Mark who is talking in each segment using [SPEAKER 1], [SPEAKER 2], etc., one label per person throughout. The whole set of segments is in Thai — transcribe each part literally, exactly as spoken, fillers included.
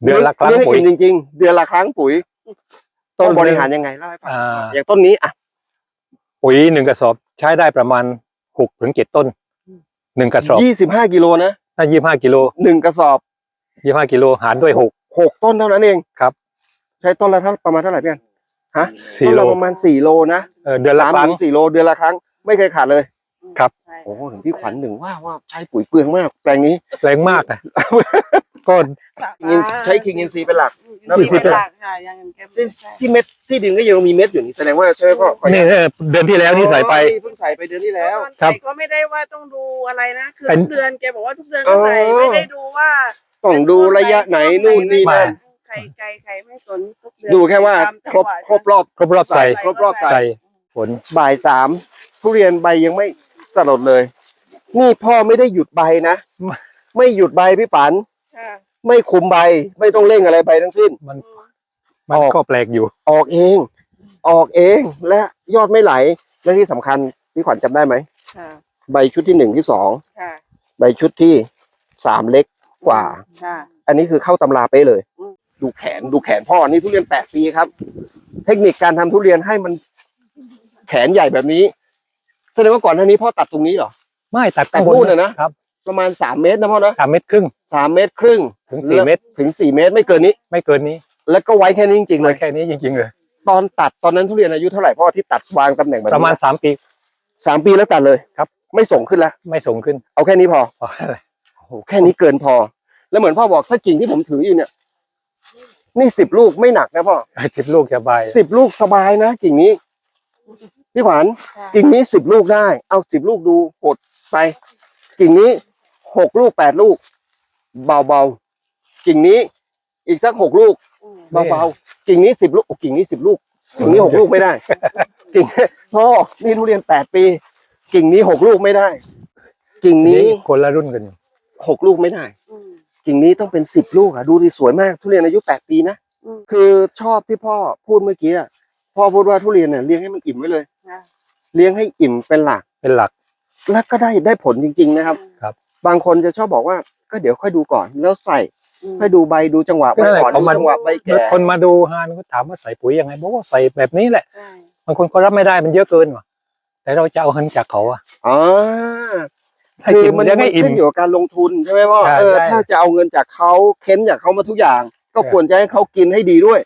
[SPEAKER 1] เดือนละครั้งปุ๋ย
[SPEAKER 2] จริงๆเดือนละครั้งปุ๋ยต้นบริหารยังไงเล่าให้ฟังอย่างต้นนี้อ่ะ
[SPEAKER 1] ปุ๋ยหนึ่งกระสอบใช้ได้ประมาณหกถึงเจ็ดต้นหนึ่งกระสอบ
[SPEAKER 2] ยี่สิบห้ากิโลนะ
[SPEAKER 1] ถ้ายี่สิบห้ากิโล
[SPEAKER 2] หนึ่งกระสอบ
[SPEAKER 1] ยี่สิบห้ากิโลหารด้วยหก
[SPEAKER 2] หกต้นเท่านั้นเอง
[SPEAKER 1] ครับ
[SPEAKER 2] ใช้ต้นละเท่าประมาณเท่าไหร่พี่อันฮะ
[SPEAKER 1] สี่โล
[SPEAKER 2] ประมาณสี่โลนะ
[SPEAKER 1] เออเดือนละครั้ง
[SPEAKER 2] สี่โลเดือนละครั้งไม่เคยขาดเลย
[SPEAKER 1] ครับ
[SPEAKER 2] โอ้โหถึงพี่ขวัญหนึ่งว่าว่าใช้ปุ๋ยเปลืองมากแปลงนี้
[SPEAKER 1] แรงมากนะก็
[SPEAKER 2] ใช้คิงอินซีเป็นหลัก
[SPEAKER 3] นะเป็นหลักค่ะยัง
[SPEAKER 2] ที่เม็ดที่ดินก็ยังมีเม็ดอยู่นี่แสดงว่าใช่ไหมพ่อ
[SPEAKER 1] นี่เดือนที่แล้วนี่ใส่ไป
[SPEAKER 2] เพิ่งใส่ไปเดือนที่แล้ว
[SPEAKER 3] ครับก็ไม่ได้ว่าต้องดูอะไรนะคือทุกเดือนแกบอกว่าทุกเดือนก็ใส่ไม่ได้ดูว่า
[SPEAKER 2] ต้องดูระยะไหนนู่นนี่นั่น
[SPEAKER 3] ใครไกลใครไม่สนทุกเดือน
[SPEAKER 2] ดูแค่ว่าครบครบรอบ
[SPEAKER 1] ครบรอบใส่
[SPEAKER 2] ครบรอบใส่
[SPEAKER 1] ผล
[SPEAKER 2] บ่ายสามทุเรียนใบยังไม่สลดเลยนี่พ่อไม่ได้หยุดใบนะไม่หยุดใบพี่ฝันไม่คุมใบไม่ต้องเร่งอะไรใบทั้งสิ้น
[SPEAKER 1] มันมันก็แปลกอยู่
[SPEAKER 2] ออกเองออกเองและยอดไม่ไหลและที่สำคัญพี่ขวัญจำได้ไหมใบชุดที่หนึ่งที่สองใบชุดที่สามเล็กกว่าอันนี้คือเข้าตำราไปเลยดูแขนดูแขนพ่อนี่ทุเรียนแปดปีครับเทคนิคการทำทุเรียนให้มันแขนใหญ่แบบนี้แสดงว่าก่อนหน้านี้พ่อตัดตรงนี้เหรอ
[SPEAKER 1] ไม่ตัด
[SPEAKER 2] ตัดนู่นนะครับประมาณสามเมตรนะพ่อนะ
[SPEAKER 1] สามเมตรครึ่ง
[SPEAKER 2] สามเมตรครึ่ง
[SPEAKER 1] ถึงสี่เมตร
[SPEAKER 2] ถึงสี่เมตรไม่เกินนี้
[SPEAKER 1] ไม่เกินนี้
[SPEAKER 2] แล้วก็ไว้แค่นี้จริงๆเลย
[SPEAKER 1] แค่นี้จริงๆเลย
[SPEAKER 2] ตอนตัดตอนนั้นทุเรียนอายุเท่าไหร่พ่อที่ตัดวางตำแหน่งแบบ
[SPEAKER 1] ประมาณสามปี
[SPEAKER 2] สามปีแล้วตัดเลย
[SPEAKER 1] ครับ
[SPEAKER 2] ไม่ส่งขึ้นแล้ว
[SPEAKER 1] ไม่ส่งขึ้น
[SPEAKER 2] เอาแค่นี้พอ
[SPEAKER 1] พออะไร
[SPEAKER 2] โอ้โหแค่นี้เกินพอแล้วเหมือนพ่อบอกถ้ากิ่งที่ผมถืออยู่เนี่ยนี่สิบลูกไม่หนักนะพ่อ
[SPEAKER 1] สิบลูกสบาย
[SPEAKER 2] สิบลูกสบายนะกิ่งนี้พี่ขวัญกิ่งนี้สิบลูกได้เอาสิบลูกดูกดไปกิ่งนี้หกลูกแปดลูกเบาๆกิ่งนี้อีกสักหกลูกเบาๆกิ่งนี้สิบลูกกิ่งนี้สิบลูกกิ่งนี้หกลูกไม่ได้กิ่งพ่อนี่ทุเรียนแปดปีกิ่งนี้หกลูกไม่ได้กิ่งนี้
[SPEAKER 1] คนละรุ่นกัน
[SPEAKER 2] หกลูกไม่ได้กิ่งนี้ต้องเป็นสิบลูกอ่ะดูดิสวยมากทุเรียนอายุแปดปีนะคือชอบที่พ่อพูดเมื่อกี้อ่ะพ่อพูดว่าทุเรียนเนี่ยเลี้ยงให้มันอิ่มไว้เลยเลี้ยงให้อิ่มเป็นหลัก
[SPEAKER 1] เป็นหลัก
[SPEAKER 2] แล้วก็ได้ได้ผลจริงๆนะครับ
[SPEAKER 1] ครับ
[SPEAKER 2] บางคนจะชอบบอกว่าก็เดี๋ยวค่อยดูก่อนแล้วใส่ให้ดูใบดูจังหวะใบก่อนดูจังหวะใบแก่
[SPEAKER 1] คนมาดูฮานก็ถามว่าใส่ปุ๋ยยังไงบอกว่าใส่แบบนี้แหละบางคนก็รับไม่ได้มันเยอะเกินว่ะแต่เราจะเอาเงินจากเขาอ่ะ
[SPEAKER 2] อ๋อคือมันขึ้นอยู่กับการลงทุนใช่ไหมพ่อเออถ้าจะเอาเงินจากเขาเค้นจากเขามาทุกอย่างก็ควรจะให้เขากินให้ดีด้วย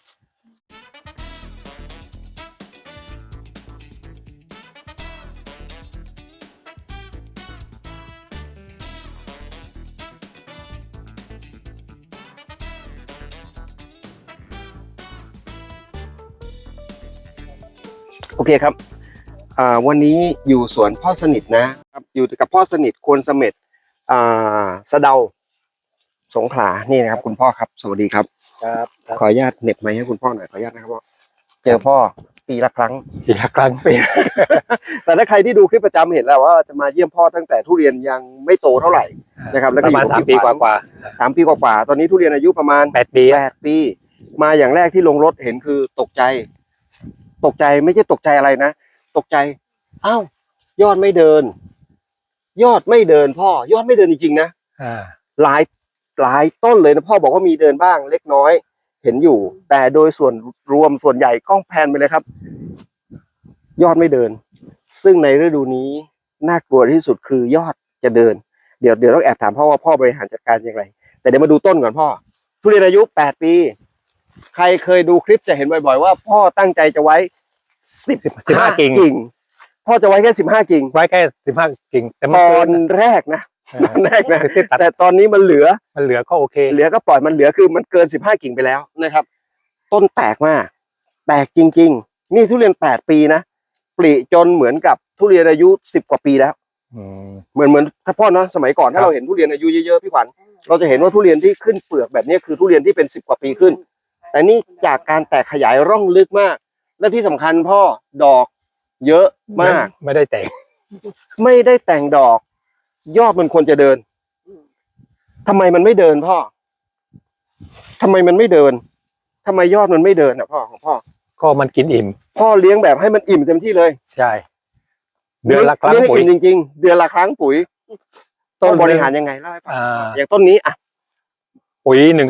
[SPEAKER 2] โอเคครับอ่าวันนี้อยู่สวนพ่อสนิทนะครับอยู่กับพ่อสนิทควรเสม็ดอ่าสะเดาสงขลานี่นะครับคุณพ่อครับสวัสดีครับ
[SPEAKER 1] ครับ
[SPEAKER 2] ขออนุญาตเน็บไมค์ให้คุณพ่อหน่อยขออนุญาตนะครับพ่อเจอพ่อปีละครั้ง
[SPEAKER 1] ปีละครั้งปี
[SPEAKER 2] แต่ถ้าใครที่ดูคลิปประจำเห็นแล้วว่าจะมาเยี่ยมพ่อตั้งแต่ทุเรียนยังไม่โตเท่าไหร่นะครับแล้วก็อยู่
[SPEAKER 1] ประมาณสามปีกว่า
[SPEAKER 2] ๆสามปีกว่าๆตอนนี้ทุเรียนอายุประมาณ
[SPEAKER 1] แปดปี
[SPEAKER 2] แปดปีมาอย่างแรกที่ลงรถเห็นคือตกใจตกใจไม่ใช่ตกใจอะไรนะตกใจอ้าวยอดไม่เดินยอดไม่เดินพ่อยอดไม่เดินจริงๆนะหลายหลายต้นเลยนะพ่อบอกว่ามีเดินบ้างเล็กน้อยเห็นอยู่แต่โดยส่วนรวมส่วนใหญ่กล้องแพนไปเลยครับยอดไม่เดินซึ่งในฤดูนี้น่ากลัวที่สุดคือยอดจะเดินเดี๋ยวเดี๋ยวต้องแอบถามพ่อว่าพ่อบริหารจัดการอย่างไรแต่เดี๋ยวมาดูต้นก่อนพ่อทุเรียนอายุแปดปีใครเคยดูคลิปจะเห็นบ่อยๆว่าพ่อตั้งใจจะไว้สิบ
[SPEAKER 1] สิบห้ากิ่ง
[SPEAKER 2] พ่อจะไว้แค่สิบห้ากิ่ง
[SPEAKER 1] ไว้แค่สิบห้ากิ่ง
[SPEAKER 2] แต่ตอนแรกนะตอนแรกนะแต่ตอนนี้มันเหลือ
[SPEAKER 1] มันเหลือก็โอเค
[SPEAKER 2] เหลือก็ปล่อยมันเหลือคือมันเกินสิบห้ากิ่งไปแล้วนะครับต้นแตกมากแตกจริงๆนี่ทุเรียนแปดปีนะปลีจนเหมือนกับทุเรียนอายุสิบกว่าปีแล้วเหมือนเหมือนถ้าพ่อเนาะสมัยก่อนถ้าเราเห็นทุเรียนอายุเยอะๆพี่ขวัญเราจะเห็นว่าทุเรียนที่ขึ้นเปลือกแบบนี้คือทุเรียนที่เป็นสิบกว่าปีขึ้นแต่นี่จากการแตกขยายร่องลึกมากและที่สำคัญพ่อดอกเยอะมาก
[SPEAKER 1] ไม่ได้แต่ง
[SPEAKER 2] ไม่ได้แต่งดอกยอดมันควรจะเดินทำไมมันไม่เดินพ่อทำไมมันไม่เดินทำไมยอดมันไม่เดินอ่ะพ่อของพ่อ
[SPEAKER 1] ก็มันกินอิ่ม
[SPEAKER 2] พ่อเลี้ยงแบบให้มันอิ่มเต็มที่เลย
[SPEAKER 1] ใช่เดือนละครั้ง
[SPEAKER 2] ปุ๋ยจริงๆเดือนละครั้งปุ๋ยต้นบริหารยังไงเล่าให้ฟังอย่างต้นนี้อ่ะ
[SPEAKER 1] ปุ๋ยหนึ่งกระสอบ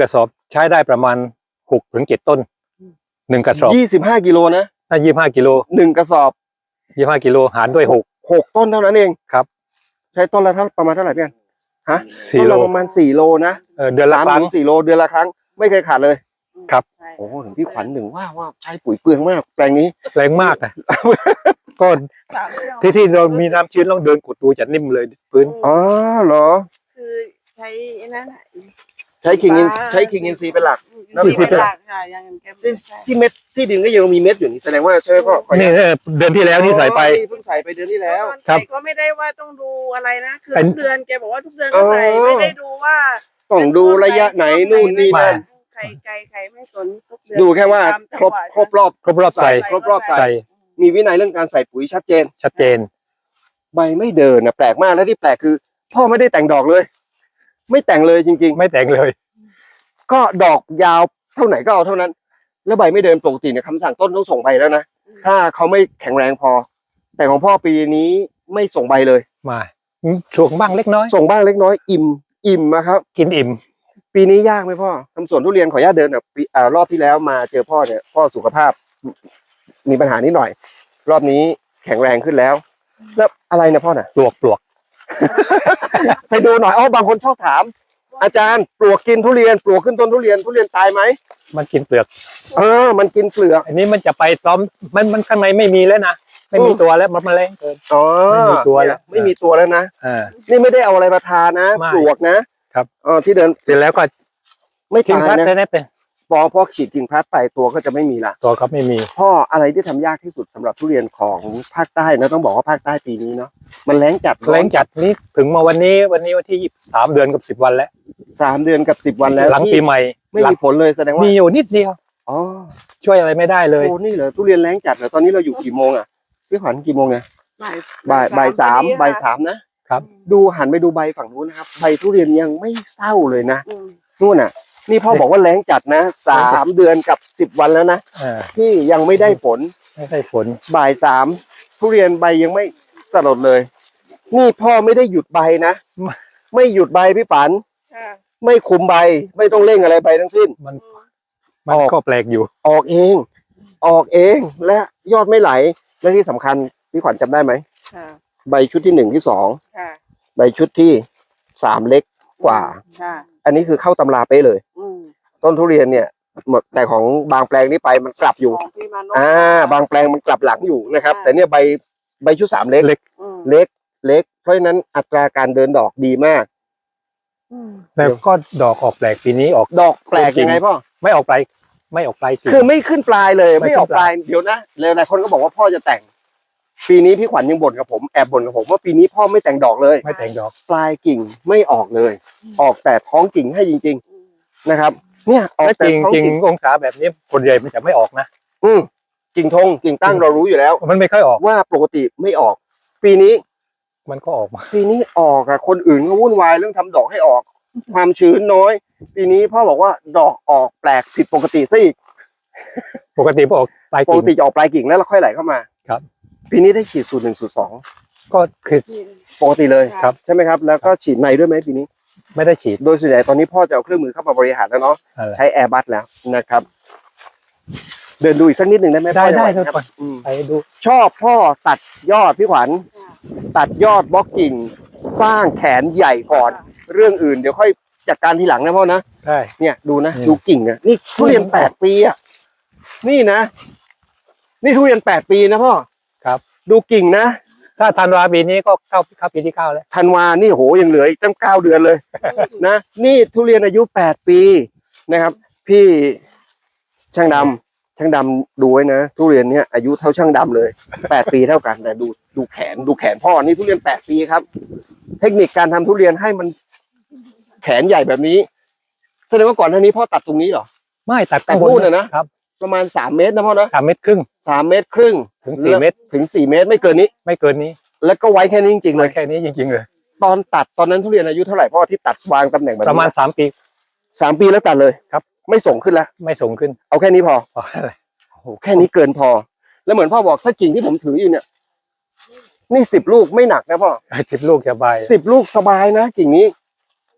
[SPEAKER 1] ใช้ได้ประมาณหกถึงเจ็ดต้นหนึ่งกระสอบ
[SPEAKER 2] ยี่สิบห้ากิโลนะ
[SPEAKER 1] ถ้ายี่ห้ากิโล
[SPEAKER 2] หนึ่งกระสอบ
[SPEAKER 1] ยี่ห้ากิโลหารด้วยหก
[SPEAKER 2] หกต้นเท่านั้นเอง
[SPEAKER 1] ครับ
[SPEAKER 2] ใช้ต้นละเท่าประมาณเท่าไหร่พี่อันฮะ
[SPEAKER 1] สี่
[SPEAKER 2] ต้น
[SPEAKER 1] โล
[SPEAKER 2] ละประมาณสี่โลนะ
[SPEAKER 1] เออเดือนละ
[SPEAKER 2] สาม
[SPEAKER 1] ครั้ง
[SPEAKER 2] ถึงสี่โลเดือนละครั้งไม่เคยขาดเลย
[SPEAKER 1] ครับ
[SPEAKER 3] ใช่
[SPEAKER 2] โอ้โหถึงพี่ขวัญหนึ่งว่าว่าใช้ปุ๋ยเปลืองมากแปลงนี้
[SPEAKER 1] แรงมากนะก็
[SPEAKER 3] สามเดือน
[SPEAKER 1] ที่ที่เรามีน้ำชื้นลองเดินกดดูจะนิ่มเลยพื้น
[SPEAKER 2] อ๋อเหรอ
[SPEAKER 3] คือใช้ไอ้นั่นน่ะ
[SPEAKER 2] ใช้คิงอินใช้คิงอินซีเป็นหลัก แล้ว
[SPEAKER 3] ที่เป็นหลักค่ะอย่างนั้นแกไม่ใช่
[SPEAKER 2] ที่เม็ดที่ดินก็ยังมีเม็ดอยู่นี่แสดงว่าใช่ไหมพ่อขออนุ
[SPEAKER 1] นี่
[SPEAKER 2] ญาต
[SPEAKER 1] เออเดือนที่แล้วนี่ใส่ไป
[SPEAKER 2] อ๋อเพิ่งใส่ไปเดือนที่แล้ว
[SPEAKER 3] ตอน
[SPEAKER 1] ครับ
[SPEAKER 3] ใส่ก็ไม่ได้ว่าต้องดูอะไรนะคือ
[SPEAKER 1] เป็น
[SPEAKER 3] ทุกเดือนแกบอกว่าทุกเดือนก็ใส่
[SPEAKER 2] อ๋อ
[SPEAKER 3] ไม่ได้ดูว่า
[SPEAKER 2] ต้องดูระยะไหนนู่นนี่นั่น
[SPEAKER 3] ไข่ไก่ไข่ไม่สนทุกเดือน
[SPEAKER 2] ดูแค่ว่า
[SPEAKER 3] ตมจัง
[SPEAKER 2] ครบ
[SPEAKER 3] หวะ
[SPEAKER 2] ครบรอบ
[SPEAKER 1] ครบรอบใส่
[SPEAKER 2] ครบรอบใส่
[SPEAKER 1] ใส่
[SPEAKER 2] มีวินัยเรื่องการใส่ปุ๋ยชัดเจน
[SPEAKER 1] ชัดเจน
[SPEAKER 2] ใบไม่เดินนะแปลกมากและที่แปลกคือ พ่อไม่ได้แต่งดอกเลย ไม่แต่งเลยจริง
[SPEAKER 1] ไม่แต่งเลย
[SPEAKER 2] ๆ ก็ดอกยาวเท่าไหนก็เอาเท่านั้น แล้วใบไม่เดินปกติเนี่ยคำสั่งต้นต้องส่งใบแล้วนะถ้าเขาไม่แข็งแรงพอ แต่ของพ่อปีนี้ไม่ส่งใบเลย
[SPEAKER 1] มาช่วงบ้างเล็กน้อย
[SPEAKER 2] ส่งบ้างเล็กน้อยอิ่มอิ่มนะครับ
[SPEAKER 1] กินอิ่ม
[SPEAKER 2] ปีนี้ยากไหมพ่อทำสวนทุเรียนขออนุญาตเดินแบบปีอ่ารอบที่แล้วมาเจอพ่อเนี่ยพ่อสุขภาพ มีปัญหานิดหน่อย รอบนี้แข็งแรงขึ้นแล้ว แล้วอะไรนะพ่อน่ะ
[SPEAKER 1] ปลวกปลวก
[SPEAKER 2] ไปดูหน่อยอ๋อบางคนชอบถาม อาจารย์ปลวกกินทุเรียนปลวกขึ้นต้นทุเรียนทุเรียนตายไหม
[SPEAKER 1] มันกินเปลือก
[SPEAKER 2] เออมันกินเปลือก
[SPEAKER 1] อันนี้มันจะไปซ้อมมันมันข้างในไม่มีแล้วนะไม่มีตัวแล้วมันแมลงเกิน
[SPEAKER 2] อ๋อ
[SPEAKER 1] ไม่มีตัวแล้ว
[SPEAKER 2] เนี่ยไม่มีตัวแล้วนะ
[SPEAKER 1] อ่า
[SPEAKER 2] นี่ไม่ได้เอาอะไรมาทานะ
[SPEAKER 1] ไม่
[SPEAKER 2] ปลวกนะครับ เออที่เดิน
[SPEAKER 1] เสร็จแล้วก็
[SPEAKER 2] ไม่
[SPEAKER 1] ทิ้ง
[SPEAKER 2] ตาย
[SPEAKER 1] พัด
[SPEAKER 2] นะ
[SPEAKER 1] ได้ได้เป็น
[SPEAKER 2] พอพอฉีดกิ่งพลัดไปตัวก็จะไม่มีละ
[SPEAKER 1] ตัวก็ไม่มี
[SPEAKER 2] พ่ออะไรที่ทำยากที่สุดสำหรับทุเรียนของภาคใต้นะต้องบอกว่าภาคใต้ปีนี้เนาะมันแล้งจัด
[SPEAKER 1] แรงจัดนี้ถึงมาวันนี้วันนี้วันที่ยี่สิบสามเดือนกับสิบวันแล้ว
[SPEAKER 2] สามเดือนกับสิบวันแล้ว
[SPEAKER 1] หลัง
[SPEAKER 2] ที่
[SPEAKER 1] ปีใหม่
[SPEAKER 2] ไม่
[SPEAKER 1] หลั
[SPEAKER 2] มี
[SPEAKER 1] ง
[SPEAKER 2] ฝนเลยแสดงว่า
[SPEAKER 1] มีอยู่นิดเดียว
[SPEAKER 2] อ๋อ
[SPEAKER 1] ช่วยอะไรไม่ได้เลย
[SPEAKER 2] โอ้นี่เหรอทุเรียนแล้งจัดเหรอตอนนี้เราอยู่กี่โมงอ่ะพี่ขวัญกี่โมงเนี่ย
[SPEAKER 3] บ่าย
[SPEAKER 2] บ่ายบ่ายสาม
[SPEAKER 3] พอดี
[SPEAKER 2] บ่าย
[SPEAKER 3] ค่ะ
[SPEAKER 2] สามนะครับ ดูหันไปดูใบฝั่งนู้นนะครับใบทุเรียนยังไม่เศร้าเลยนะ
[SPEAKER 3] อืม
[SPEAKER 2] นู่นน่ะ นี่พ่อบอกว่าแล้งจัดนะสามเดือนกับสิบวันแล้วนะ
[SPEAKER 1] อ่า
[SPEAKER 2] ที่ยังไม่ได้ผล
[SPEAKER 1] ไม่ได้ผล
[SPEAKER 2] บ่ายสามทุเรียนใบยังไม่สลดเลย นี่พ่อไม่ได้หยุดใบนะ ไม่หยุดใบพี่ฝัน
[SPEAKER 3] ค่ะ
[SPEAKER 2] ไม่คุมใบ ไม่ต้องเร่งอะไรใบทั้งสิ้น
[SPEAKER 1] มัน
[SPEAKER 3] อืม
[SPEAKER 1] มัน
[SPEAKER 2] ออก
[SPEAKER 1] ก็แปลกอยู่
[SPEAKER 2] ออกเอง ออกเองและยอดไม่ไหล และที่สำคัญพี่ขวัญจำได้ไหม
[SPEAKER 3] ค่ะ
[SPEAKER 2] ใบชุดที่หนึ่งที่สอง
[SPEAKER 3] ค่ะ
[SPEAKER 2] ใบชุดที่สามเล็กกว่า
[SPEAKER 3] ค่ะ
[SPEAKER 2] อันนี้คือเข้าตำราเป๊ะเลย
[SPEAKER 3] อืม
[SPEAKER 2] ต้นทุเรียนเนี่ยหมดแต่ของบางแปลงนี่ไปมันกลับอยู่
[SPEAKER 3] ของพี่มานพ
[SPEAKER 2] อ่า บางแปลงมันกลับหลังอยู่นะครับ
[SPEAKER 3] อ่า
[SPEAKER 2] แต่เนี่ยใบใบชุดสามเล็ก
[SPEAKER 1] เล็ก
[SPEAKER 3] อืม
[SPEAKER 2] เล็กเล็ก เพราะฉะนั้นอัตราการเดินดอกดีมาก
[SPEAKER 3] อืม
[SPEAKER 1] แล้วก็ดอกออกแปลกปีนี้ออก
[SPEAKER 2] ดอกแปลกยังไงพ่อ
[SPEAKER 1] ไม่ออกปลายไม่ออกปลายจริง
[SPEAKER 2] คือไม่ขึ้นปลายเลย
[SPEAKER 1] ไม่
[SPEAKER 2] ไม่ออก
[SPEAKER 1] ขึ้น
[SPEAKER 2] ป
[SPEAKER 1] ป
[SPEAKER 2] ลา
[SPEAKER 1] ลาย ย
[SPEAKER 2] เดี๋ยวนะแล้วหลายคนก็บอกว่าพ่อจะแต่ง ปีนี้พี่ขวัญยังบ่นกับผมแอบบ่นกับผมว่าปีนี้พ่อไม่แต่งดอกเลย
[SPEAKER 1] ไม่แต่งดอก
[SPEAKER 2] ปลายกิ่งไม่ออกเลย ออกแต่ท้องกิ่งให้จริง
[SPEAKER 3] อืม
[SPEAKER 2] ๆนะครับ เนี่ยออก
[SPEAKER 1] และ
[SPEAKER 2] แต่
[SPEAKER 1] จริง
[SPEAKER 2] ท้อง
[SPEAKER 1] จริง
[SPEAKER 2] กิ่ง
[SPEAKER 1] องศาแบบนี้คนใหญ่มันจะไม่ออกนะ
[SPEAKER 2] อืมกิ่งทงกิ่งตั้งเรารู้อยู่แล้ว
[SPEAKER 1] มันไม่ค่อยออก
[SPEAKER 2] ว่าปกติไม่ออก ปีนี้
[SPEAKER 1] มันก็ออกมา
[SPEAKER 2] ปีนี้ออกอะคนอื่นก็วุ่นวายเรื่องทำดอกให้ออก ความชื้นน้อย ปีนี้พ่อบอกว่าดอกออกแปลกผิดปกติซะอีก
[SPEAKER 1] ปกติพอออกปลาย
[SPEAKER 2] ปก
[SPEAKER 1] กิ่ง
[SPEAKER 2] ติจะออกปลายกิ่งแล้วเราค่อยไหลเข้ามา
[SPEAKER 1] ครับ
[SPEAKER 2] ปีนี้ได้ฉีดสูตรหนึ่งสูตรสอง
[SPEAKER 1] ก็คือ
[SPEAKER 2] ปกติเลย
[SPEAKER 1] ครับ
[SPEAKER 2] ใช่ไหมครับ แล้วก็ฉีดในด้วยไหมปีนี้
[SPEAKER 1] ไม่ได้ฉีด
[SPEAKER 2] โดยส่วนใหญ่ตอนนี้พ่อจะเอาเครื่องมือเข้ามาบริหารแล้วเนาะ
[SPEAKER 1] อะไร
[SPEAKER 2] ใช้แอร์บัสแล้วนะครับ เดินดูอีกสักนิดหนึ่งได้ไหม
[SPEAKER 1] ได้
[SPEAKER 2] พ่อ
[SPEAKER 1] ได้
[SPEAKER 2] จะหว
[SPEAKER 1] ทุก
[SPEAKER 2] ครับ
[SPEAKER 1] คน
[SPEAKER 2] อืม
[SPEAKER 1] ไปดู
[SPEAKER 2] ชอบพ่อตัดยอดพี่ขวัญ
[SPEAKER 3] ค่ะ
[SPEAKER 2] ตัดยอดบล็อกกิ่ง สร้างแขนใหญ่ก่อน เรื่องอื่นเดี๋ยวค่อยจัดการทีหลังนะพ่อนะ
[SPEAKER 1] ได้
[SPEAKER 2] เนี่ยดูนะ
[SPEAKER 1] อืม
[SPEAKER 2] ดูกิ่งอะนี่ทุเรียนแปดปีอะนี่นะ นี่ทุเรียนแปดปีนะพ่อ
[SPEAKER 1] ครับ
[SPEAKER 2] ดูกิ่งนะ
[SPEAKER 1] ถ้าธันวาปีนี้ก็เข้าเข้าปีที่เก้าแล้ว
[SPEAKER 2] ธันวานี่โหยังเหลืออีกตั้งเก้าเดือนเลย นะนี่ทุเรียนอายุแปดปีนะครับ พี่ช่างดำช่างดำดูไว้นะทุเรียนเนี้ยอายุเท่าช่างดำเลยแปดปีเท่ากันแต่ดูดูแขนดูแขนพ่อนี่ทุเรียนแปดปีครับ เทคนิคการทำทุเรียนให้มันแขนใหญ่แบบนี้แสดงว่าก่อนหน้านี้พ่อตัดตรงนี้เหรอ
[SPEAKER 1] ไม่ตัด
[SPEAKER 2] ตัด
[SPEAKER 1] ข้างบ
[SPEAKER 2] นู่นน่ะนะครับ ประมาณสามเมตรนะพ่อนะ
[SPEAKER 1] สามเมตรครึ่ง
[SPEAKER 2] สามเมตรครึ่ง
[SPEAKER 1] ถึงสี่เมตร
[SPEAKER 2] ถึงสี่เมตรไม่เกินนี้
[SPEAKER 1] ไม่เกินนี้
[SPEAKER 2] แล้วก็ไว้แค่นี้จริงๆเลย
[SPEAKER 1] แค่นี้จริงๆเลย
[SPEAKER 2] ตอนตัดตอนนั้นทุเรียนอายุเท่าไหร่พ่อที่ตัดวางตำแหน่งแบบ
[SPEAKER 1] ป
[SPEAKER 2] นี้
[SPEAKER 1] ระมาณสามปี
[SPEAKER 2] สามปีแล้วตัดเลย
[SPEAKER 1] ครับ
[SPEAKER 2] ไม่ส่งขึ้นแล้ว
[SPEAKER 1] ไม่ส่งขึ้น
[SPEAKER 2] เอาแค่นี้พอ
[SPEAKER 1] เพราะอะไร
[SPEAKER 2] โอ้โหแค่นี้เกินพอ แล้วเหมือนพ่อบอกถ้ากิ่งที่ผมถืออยู่เนี่ย นี่สิบลูกไม่หนักนะพ่อ
[SPEAKER 1] สิบลูกจะใบาย
[SPEAKER 2] สิบลูกสบายนะกิ่งนี้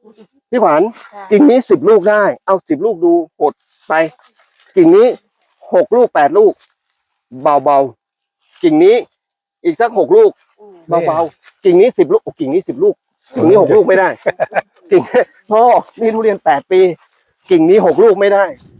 [SPEAKER 2] พี่ขวัญ
[SPEAKER 3] ค่ะ
[SPEAKER 2] กิ่งนี้สิบลูกได้ เอาสิบลูกดูกดไป กิ่งนี้หกลูกแปดลูก เบาๆกิ่งนี้อีกสักหกลูก
[SPEAKER 3] อืม
[SPEAKER 2] เบาๆกิ่งนี้สิบลูกโอ้กิ่งนี้สิบลูกกิ่งนี้หกลูกไม่ได้ กิ่งพ่อนี่ทุเรียนแปดปี กิ่งนี้หกลูกไม่ได้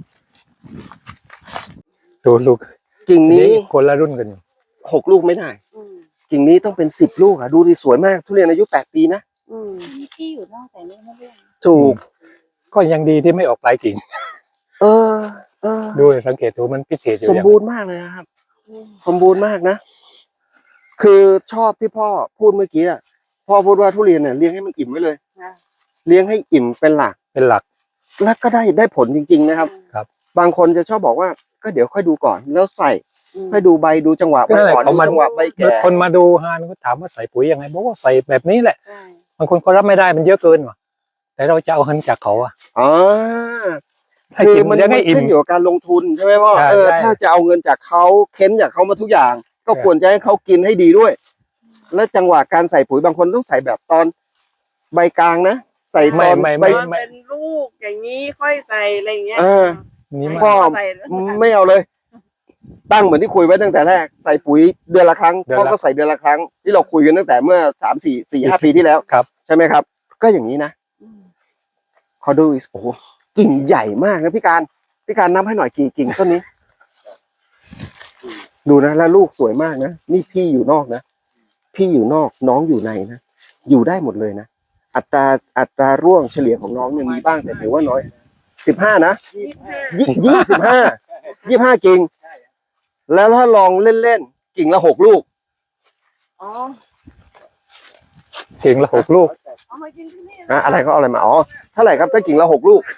[SPEAKER 1] ดูลูก
[SPEAKER 2] กิ่งนี้
[SPEAKER 1] คนละรุ่นกันอยู่
[SPEAKER 2] หกลูกไม่ได้
[SPEAKER 3] อืม
[SPEAKER 2] กิ่งนี้ต้องเป็นสิบลูกอ่ะดูดิสวยมากทุเรียนอายุแปดปีนะ
[SPEAKER 3] อืม
[SPEAKER 4] มีที่อยู่นอกแต่นี่ไม่เรื่อง
[SPEAKER 2] ถูก
[SPEAKER 1] ก็ยังดีที่ไม่ออกปลายกิ่ง
[SPEAKER 2] เออ เออ
[SPEAKER 1] ดูสังเกตดูมันพิเศษอยู่
[SPEAKER 2] สม
[SPEAKER 1] อย่าง
[SPEAKER 2] บูรณ์มากเลยอะครับ
[SPEAKER 3] อืม
[SPEAKER 2] สมบูรณ์มากนะ คือชอบที่พ่อพูดเมื่อกี้อะพ่อพูดว่าทุเรียนเนี่ยเลี้ยงให้มันอิ่มไว้เลย
[SPEAKER 3] ค่ะ
[SPEAKER 2] เลี้ยงให้อิ่มเป็นหลัก
[SPEAKER 1] เป็นหลัก
[SPEAKER 2] แล้วก็ได้ได้ผลจริง ๆ นะครับ
[SPEAKER 1] ครับ
[SPEAKER 2] บางคนจะชอบบอกว่าก็เดี๋ยวค่อยดูก่อน แล้วใส่
[SPEAKER 3] อืม
[SPEAKER 2] ค่อยดูใบดูจังหวะใบ
[SPEAKER 1] นั่นแหละ
[SPEAKER 2] อ่อน
[SPEAKER 1] เขา
[SPEAKER 2] ดู
[SPEAKER 1] มา
[SPEAKER 2] จังหวะใบแก่
[SPEAKER 1] คนมาดูฮานก็ถามว่าใส่ปุ๋ยยังไงบอกว่าใส่แบบนี้แหละ
[SPEAKER 3] ใช่
[SPEAKER 1] บางคนก็รับไม่ได้มันเยอะเกินว่ะแต่เราจะเอาเงินจากเขาอะ
[SPEAKER 2] อ๋อ
[SPEAKER 1] ให้
[SPEAKER 2] คือ
[SPEAKER 1] กิน
[SPEAKER 2] มัน
[SPEAKER 1] เลี้ยง
[SPEAKER 2] มั
[SPEAKER 1] ให้
[SPEAKER 2] น
[SPEAKER 1] อิ่ม
[SPEAKER 2] ขึ้นอยู่กับการลงทุนใช่ไหมพ่อ
[SPEAKER 1] ใช่
[SPEAKER 2] เออ
[SPEAKER 1] ใช่
[SPEAKER 2] ถ้าจะเอาเงินจากเขาเค้นจากเขามาทุกอย่าง ก็
[SPEAKER 1] ใช่
[SPEAKER 2] ควรจะให้เขากินให้ดีด้วย และจังหวะการใส่ปุ๋ยบางคนต้องใส่แบบตอนใบกลางนะใส่ต
[SPEAKER 1] ไม่
[SPEAKER 2] อน
[SPEAKER 1] ไม่
[SPEAKER 2] ใบ
[SPEAKER 1] ไม่
[SPEAKER 3] ตอนเป็นลูกอย่างนี้ค่อยใส่อะไรอย่างเงี้ย
[SPEAKER 2] เออ
[SPEAKER 1] นี่ไม่
[SPEAKER 2] พ่อ
[SPEAKER 3] ใส่แล้ว
[SPEAKER 2] ไม่เอาเลย ตั้งเหมือนที่คุยไว้ตั้งแต่แรกใส่ปุ๋ยเดือนละครั้ง
[SPEAKER 1] เดือน
[SPEAKER 2] พ่อ
[SPEAKER 1] ละ
[SPEAKER 2] ก็ใส่เดือนละครั้งที่เราคุยกันตั้งแต่เมื่อสามสี่สี่ห้าปีที่แล้ว
[SPEAKER 1] ครับ
[SPEAKER 2] ใช่ไหมครับ ก็อย่างนี้นะ
[SPEAKER 3] อืม
[SPEAKER 2] ขอดูอีกโอ้โหกิ่งใหญ่มากนะพี่การพี่การนับให้หน่อยกี่กิ่งต้นนี้ ดูนะแล้วลูกสวยมากนะนี่พี่อยู่นอกนะพี่อยู่นอกน้องอยู่ในนะอยู่ได้หมดเลยนะอัตราอัตราร่วงเฉลี่ยของน้องเนี่ยมีบ้างแต่ถือว่าน้อยสิบห้านะ
[SPEAKER 3] ยี่สิบห้า
[SPEAKER 2] ยี่ยี่สิบห้ายี่ห้ากิ่งแล้วถ้าลองเล่นๆกิ่งละหกลูก
[SPEAKER 3] อ๋อ
[SPEAKER 1] กิ่งละหกลูก
[SPEAKER 3] เอามากินที่นี่
[SPEAKER 2] นะอะไรก็เอาอะไรมาอ๋อเท่าไหร่ครับถ้ากิ่งละหกลูก